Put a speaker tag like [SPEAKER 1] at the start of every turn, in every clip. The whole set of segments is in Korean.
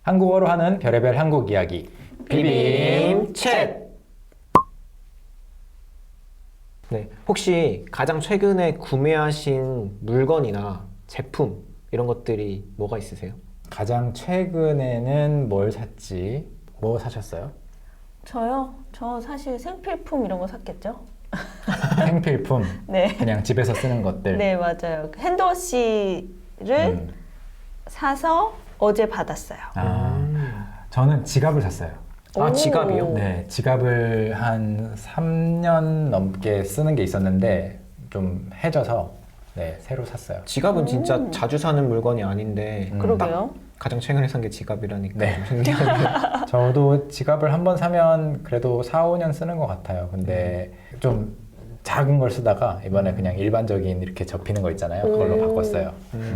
[SPEAKER 1] 한국어로 하는 별의별 한국 이야기
[SPEAKER 2] 비빔 챗. 네, 혹시 가장 최근에 구매하신 물건이나 제품 이런 것들이 뭐가 있으세요?
[SPEAKER 1] 가장 최근에는 뭘 샀지? 뭐 사셨어요?
[SPEAKER 3] 저요? 저 사실 생필품 이런 거 샀겠죠?
[SPEAKER 1] 생필품
[SPEAKER 3] 네.
[SPEAKER 1] 그냥 집에서 쓰는 것들.
[SPEAKER 3] 네, 맞아요. 핸드워시를 사서 어제 받았어요.
[SPEAKER 1] 저는 지갑을 샀어요.
[SPEAKER 2] 아,
[SPEAKER 3] 오.
[SPEAKER 2] 지갑이요?
[SPEAKER 1] 네, 지갑을 한 3년 넘게 쓰는 게 있었는데 좀 해져서 네, 새로 샀어요.
[SPEAKER 2] 지갑은 진짜 자주 사는 물건이 아닌데
[SPEAKER 3] 그러게요.
[SPEAKER 2] 가장 최근에 산 게 지갑이라니까
[SPEAKER 1] 네.
[SPEAKER 2] 좀 신기하네요.
[SPEAKER 1] 저도 지갑을 한 번 사면 그래도 4, 5년 쓰는 것 같아요. 근데 좀 작은 걸 쓰다가 이번에 그냥 일반적인 이렇게 접히는 거 있잖아요. 그걸로
[SPEAKER 3] 오.
[SPEAKER 1] 바꿨어요.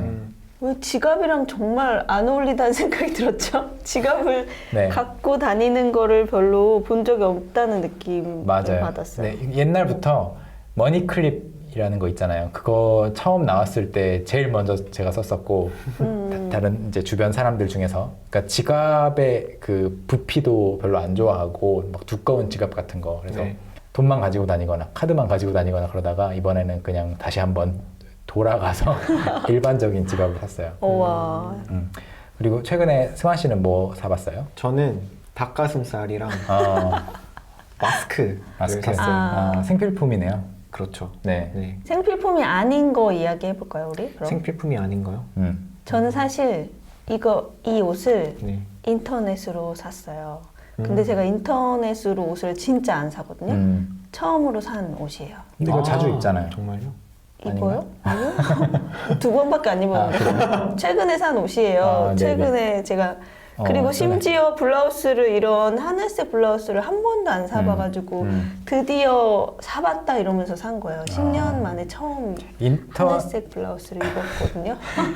[SPEAKER 3] 왜 지갑이랑 정말 안 어울리다는 생각이 들었죠? 지갑을
[SPEAKER 1] 네.
[SPEAKER 3] 갖고 다니는 거를 별로 본 적이 없다는 느낌을
[SPEAKER 1] 맞아요.
[SPEAKER 3] 받았어요.
[SPEAKER 1] 네, 옛날부터 머니클립이라는 거 있잖아요. 그거 처음 나왔을 때 제일 먼저 제가 썼었고 다른 이제 주변 사람들 중에서 그러니까 지갑의 그 부피도 별로 안 좋아하고 막 두꺼운 지갑 같은 거 그래서
[SPEAKER 2] 네.
[SPEAKER 1] 돈만 가지고 다니거나 카드만 가지고 다니거나 그러다가 이번에는 그냥 다시 한번 돌아가서 일반적인 지갑을 샀어요.
[SPEAKER 3] 와.
[SPEAKER 1] 그리고 최근에 승환 씨는 뭐 사봤어요?
[SPEAKER 2] 저는 닭가슴살이랑
[SPEAKER 1] 아,
[SPEAKER 2] 마스크를
[SPEAKER 1] 마스크.
[SPEAKER 2] 샀어요.
[SPEAKER 3] 아.
[SPEAKER 1] 생필품이네요.
[SPEAKER 2] 그렇죠.
[SPEAKER 1] 네.
[SPEAKER 2] 네.
[SPEAKER 3] 생필품이 아닌 거 이야기해 볼까요, 우리? 그럼?
[SPEAKER 2] 생필품이 아닌가요?
[SPEAKER 3] 저는 사실 이 옷을
[SPEAKER 2] 네.
[SPEAKER 3] 인터넷으로 샀어요. 근데 제가 인터넷으로 옷을 진짜 안 사거든요. 처음으로 산 옷이에요.
[SPEAKER 1] 근데 이거 자주 입잖아요.
[SPEAKER 2] 정말요?
[SPEAKER 3] 이거요? 아니요. 2번밖에 안 입었는데. 최근에 산 옷이에요.
[SPEAKER 1] 아, 네네.
[SPEAKER 3] 최근에 제가 그리고 심지어 블라우스를 이런 하늘색 블라우스를 한 번도 안 사봐가지고 드디어 사봤다 이러면서 산 거예요. 10년 만에 처음 하늘색 블라우스를 입었거든요.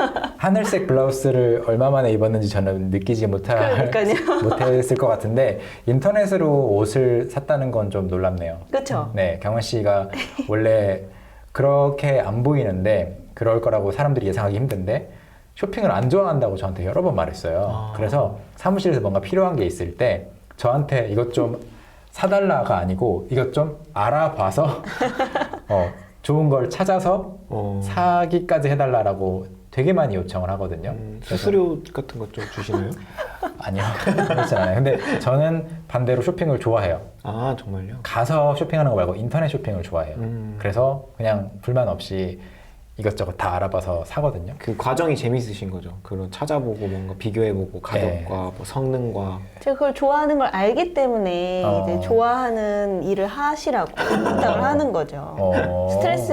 [SPEAKER 1] 하늘색 블라우스를 얼마 만에 입었는지 저는 느끼지
[SPEAKER 3] 그러니까요.
[SPEAKER 1] 못했을 것 같은데 인터넷으로 옷을 샀다는 건 좀 놀랍네요.
[SPEAKER 3] 그렇죠?
[SPEAKER 1] 네, 경원 씨가 원래 그렇게 안 보이는데 그럴 거라고 사람들이 예상하기 힘든데 쇼핑을 안 좋아한다고 저한테 여러 번 말했어요. 그래서 사무실에서 뭔가 필요한 게 있을 때 저한테 이것 좀 사달라가 아니고 이것 좀 알아봐서 좋은 걸 찾아서 사기까지 해달라고 되게 많이 요청을 하거든요.
[SPEAKER 2] 수수료 같은 것 좀 주시나요?
[SPEAKER 1] 아니요, 그렇지 않아요. 근데 저는 반대로 쇼핑을 좋아해요.
[SPEAKER 2] 아, 정말요?
[SPEAKER 1] 가서 쇼핑하는 거 말고 인터넷 쇼핑을 좋아해요. 그래서 그냥 불만 없이 이것저것 다 알아봐서 사거든요.
[SPEAKER 2] 그 과정이 재밌으신 거죠? 그런 찾아보고 뭔가 비교해보고 가격과
[SPEAKER 1] 네.
[SPEAKER 2] 뭐 성능과
[SPEAKER 3] 제가 그걸 좋아하는 걸 알기 때문에 이제 좋아하는 일을 하시라고 부탁을 하는 거죠.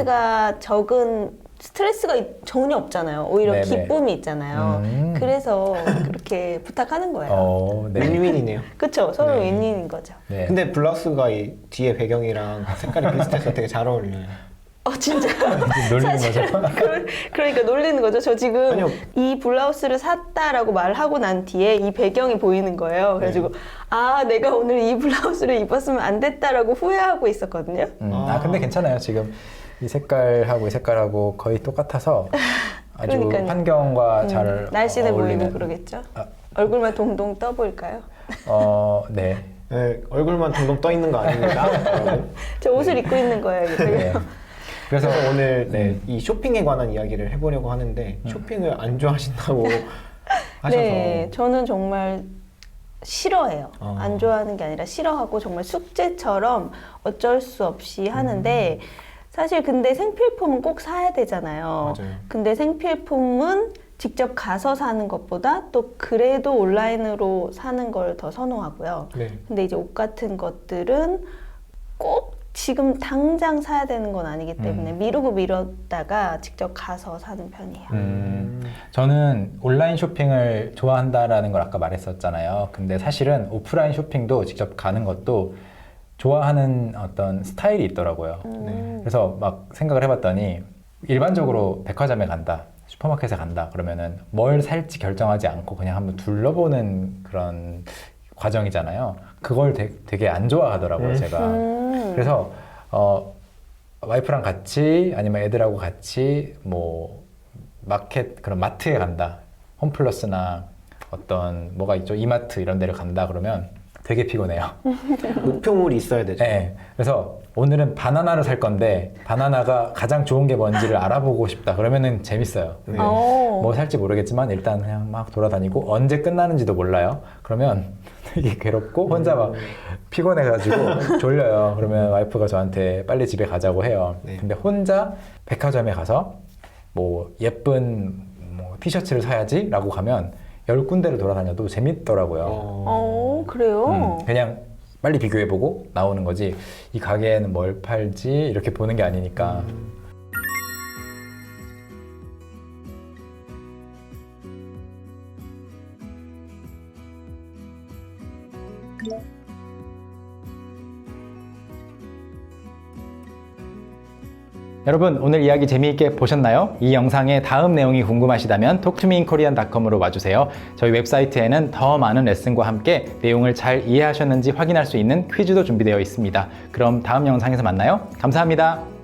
[SPEAKER 3] 스트레스가 전혀 없잖아요. 오히려
[SPEAKER 1] 네네.
[SPEAKER 3] 기쁨이 있잖아요. 그래서 그렇게 부탁하는 거예요.
[SPEAKER 1] 네.
[SPEAKER 2] 윈윈이네요.
[SPEAKER 3] 그쵸? 서로
[SPEAKER 2] 네.
[SPEAKER 3] 윈윈인 거죠.
[SPEAKER 1] 네.
[SPEAKER 2] 근데 블라우스가 이 뒤에 배경이랑 색깔이 비슷해서 되게 잘 어울려요.
[SPEAKER 3] 진짜.
[SPEAKER 1] 놀리는 거죠?
[SPEAKER 3] 그러니까 놀리는 거죠. 저 지금
[SPEAKER 2] 아니요.
[SPEAKER 3] 이 블라우스를 샀다라고 말하고 난 뒤에 이 배경이 보이는 거예요. 그래가지고 내가 오늘 이 블라우스를 입었으면 안 됐다라고 후회하고 있었거든요.
[SPEAKER 1] 근데 괜찮아요. 지금 이 색깔하고 이 색깔하고 거의 똑같아서 아주
[SPEAKER 3] 그러니까요.
[SPEAKER 1] 환경과 잘
[SPEAKER 3] 날씬해
[SPEAKER 1] 어울리는.
[SPEAKER 3] 보이고 그러겠죠. 얼굴만 동동 떠 보일까요?
[SPEAKER 1] 네.
[SPEAKER 2] 네, 얼굴만 동동 떠 있는 거 아닙니다. 여러분.
[SPEAKER 3] 저 옷을 입고 있는 거예요. 이게.
[SPEAKER 1] 네.
[SPEAKER 2] 그래서 오늘 이 쇼핑에 관한 이야기를 해보려고 하는데 쇼핑을 안 좋아하신다고 하셔서
[SPEAKER 3] 네, 저는 정말 싫어해요.
[SPEAKER 2] 아.
[SPEAKER 3] 안 좋아하는 게 아니라 싫어하고 정말 숙제처럼 어쩔 수 없이 하는데 사실 근데 생필품은 꼭 사야 되잖아요.
[SPEAKER 2] 맞아요.
[SPEAKER 3] 근데 생필품은 직접 가서 사는 것보다 또 그래도 온라인으로 사는 걸 더 선호하고요.
[SPEAKER 2] 네.
[SPEAKER 3] 근데 이제 옷 같은 것들은 꼭 지금 당장 사야 되는 건 아니기 때문에 미루고 미뤘다가 직접 가서 사는 편이에요.
[SPEAKER 1] 저는 온라인 쇼핑을 좋아한다라는 걸 아까 말했었잖아요. 근데 사실은 오프라인 쇼핑도 직접 가는 것도 좋아하는 어떤 스타일이 있더라고요. 그래서 막 생각을 해봤더니 일반적으로 백화점에 간다, 슈퍼마켓에 간다 그러면은 뭘 살지 결정하지 않고 그냥 한번 둘러보는 그런 과정이잖아요. 그걸 되게 안 좋아하더라고요, 제가. 그래서 와이프랑 같이 아니면 애들하고 같이 뭐 그런 마트에 간다, 홈플러스나 어떤 뭐가 있죠? 이마트 이런 데를 간다 그러면 되게 피곤해요.
[SPEAKER 2] 목표물이 있어야 되죠.
[SPEAKER 1] 네. 그래서 오늘은 바나나를 살 건데 바나나가 가장 좋은 게 뭔지를 알아보고 싶다. 그러면은 재밌어요.
[SPEAKER 2] 네.
[SPEAKER 1] 뭐 살지 모르겠지만 일단 그냥 막 돌아다니고 언제 끝나는지도 몰라요. 그러면 되게 괴롭고 혼자 막 피곤해가지고 졸려요. 그러면 와이프가 저한테 빨리 집에 가자고 해요.
[SPEAKER 2] 네.
[SPEAKER 1] 근데 혼자 백화점에 가서 뭐 예쁜 뭐 티셔츠를 사야지라고 가면 10군데를 돌아다녀도 재밌더라고요.
[SPEAKER 3] 그래요?
[SPEAKER 1] 그냥 빨리 비교해보고 나오는 거지 이 가게에는 뭘 팔지 이렇게 보는 게 아니니까. 여러분 오늘 이야기 재미있게 보셨나요? 이 영상의 다음 내용이 궁금하시다면 talktome인korean.com으로 와주세요. 저희 웹사이트에는 더 많은 레슨과 함께 내용을 잘 이해하셨는지 확인할 수 있는 퀴즈도 준비되어 있습니다. 그럼 다음 영상에서 만나요. 감사합니다.